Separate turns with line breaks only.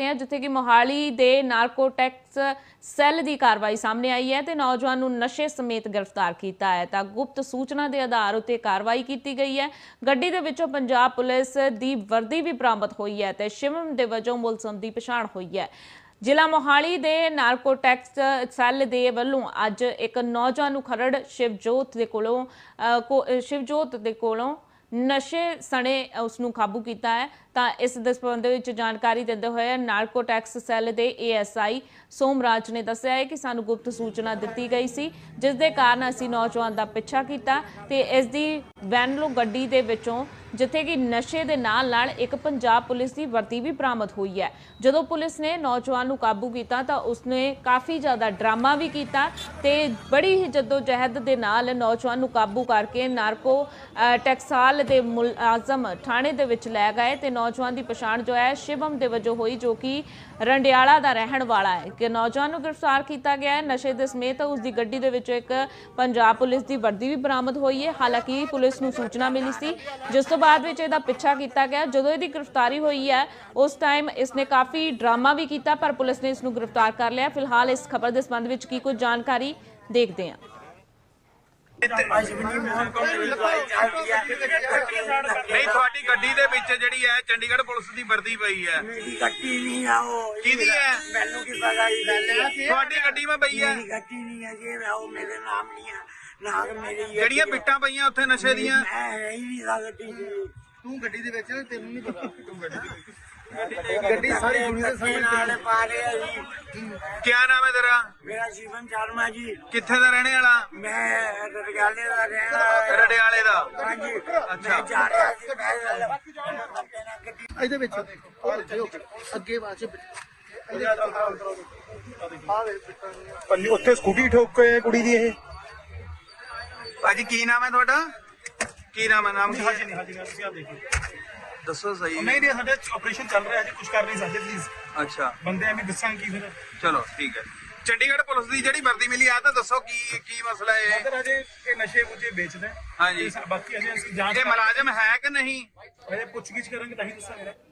हैं जिथे कि मोहाली दे नारकोटिक्स सैल की कार्रवाई सामने आई है तो नौजवान नूं नशे समेत गिरफ्तार किया है। तो गुप्त सूचना के आधार उत्ते कार्रवाई की गई है। गड्डी दे विचों पंजाब पुलिस की वर्दी भी बरामद हुई है तो शिवम दे वजों मुलजम की पछाण हुई है। जिला मोहाली दे नारकोटिक्स सैल दे वल्लों अज एक नौजवान नूं खरड़ शिवजोत दे कोलों नशे सने उसनूं काबू किया है। तो इस संबंध में जानकारी देते हुए नारकोटिक्स सैल के ASI सोमराज ने दस्सिया है कि सानू गुप्त सूचना दी गई सी जिस दे कारण असीं नौजवान का पिछा किया ते इस दी वैनलो गड्डी दे विचों जिथे कि नशे दे नाल नाल एक पंजाब पुलिस की वर्दी भी बरामद हुई है। जदों पुलिस ने नौजवान नूं काबू किया तो उसने काफ़ी ज़्यादा ड्रामा भी किया ते बड़ी ही जदोजहद दे नाल नौजवान नूं काबू करके नारको टैक्साल दे मुलाजम थाणे दे विच लै गए ते नौजवान की पछाण जो है शिवम दे वजों हुई जो कि रंडियाला का रहन वाला है कि नौजवान को गिरफ्तार किया गया है। नशे के समेत उसकी गड्डी दे विच एक पंजाब पुलिस की वर्दी भी बरामद हुई है। हालांकि पुलिस को सूचना मिली सी जिस तो बाद विच इहदा पिछा किया गया। जदों इहदी गिरफ्तारी हुई है उस टाइम इसने काफ़ी ड्रामा भी किया पर पुलिस ने इसनूं गिरफ्तार कर लिया। फिलहाल इस खबर के संबंध में की कुछ जानकारी देखते हैं।
नहीं थोड़ी गड्डी दे विच जिहड़ी है चंडीगढ़ पुलिस दी वर्दी पई है।
मेरी गड्डी नहीं है वो
किहदी है?
मैनू की पता ही
थोड़ी गड्डी में पई है?
मेरी गड्डी नहीं है जी वो मेरे नाम नहीं है ना मेरी
ਜਿਹੜੀਆਂ ਬਿੱਟਾਂ ਪਈਆਂ ਉੱਥੇ ਨਸ਼ੇ ਦੀਆਂ
मैं है ही नहीं था गड्डी
ਤੂੰ ਗੱਡੀ ਦੇ ਵਿੱਚ ਤੈਨੂੰ ਨਹੀਂ ਪਤਾ ਤੂੰ ਗੱਡੀ ਦੇ ਵਿੱਚ ਗੱਡੀ ਸਾਰੀ ਦੁਨੀਆ ਦੇ ਸਾਹਮਣੇ
नाल पा रहे हैं जी
ਕੀ ਨਾਮ ਹੈ ਤੇਰਾ?
मेरा शिवम शर्मा जी
ਕਿੱਥੇ ਦਾ ਰਹਿਣੇ ਵਾਲਾ?
मैं रडगाले का रहना
ਰੜਿਆਲੇ ਦਾ।
हाँ जी
अच्छा।
मैं जा रहा जी मैं
ਇਹਦੇ ਵਿੱਚ ਉਹ ਦੇਖੋ ਅੱਗੇ ਬਾਅਦ
ਪੰਨੀ ਉੱਥੇ ਸਕੂਟੀ ਠੋਕ ਕੇ ਕੁੜੀ ਦੀ ਇਹ
ਭਾਜੀ ਕੀ ਨਾਮ ਹੈ ਤੁਹਾਡਾ? ਕੀ ਨਾਮ ਹੈ? ਨਾਮ ਕੀ
ਹਾਜੀ
ਹੈ?
ਨਹੀਂ ਹਾਜੀ ਨਹੀਂ ਤੁਸੀਂ ਆ ਦੇਖੋ
ਦੱਸੋ ਸਹੀ।
ਨਹੀਂ ਨਹੀਂ ਸਾਡੇ ਆਪਰੇਸ਼ਨ ਚੱਲ ਰਿਹਾ ਜੀ ਕੁਝ ਕਰ ਨਹੀਂ ਸਕਦੇ ਪਲੀਜ਼
ਅੱਛਾ
ਬੰਦੇ ਐਵੇਂ ਦੱਸਾਂਗੇ ਕੀ ਫਿਰ
ਚਲੋ ਠੀਕ ਹੈ। ਚੰਡੀਗੜ੍ਹ ਪੁਲਿਸ ਦੀ ਜਿਹੜੀ ਵਰਦੀ ਮਿਲੀ ਆ ਤਾਂ ਦੱਸੋ ਕੀ ਮਸਲਾ ਹੈ?
ਅੰਦਰ ਅਜੇ ਇਹ ਨਸ਼ੇ ਮੁਝੇ ਵੇਚਦਾ
ਹਾਂਜੀ।
ਬਾਕੀ ਅਜੇ ਅਸੀਂ ਜਾਂਚ
ਇਹ ਮੁਲਾਜ਼ਮ ਹੈ ਕਿ ਨਹੀਂ?
ਅਜੇ ਪੁੱਛਗਿੱਛ ਕਰਾਂਗੇ ਤਾਂ ਹੀ ਦੱਸਾਂਗੇ।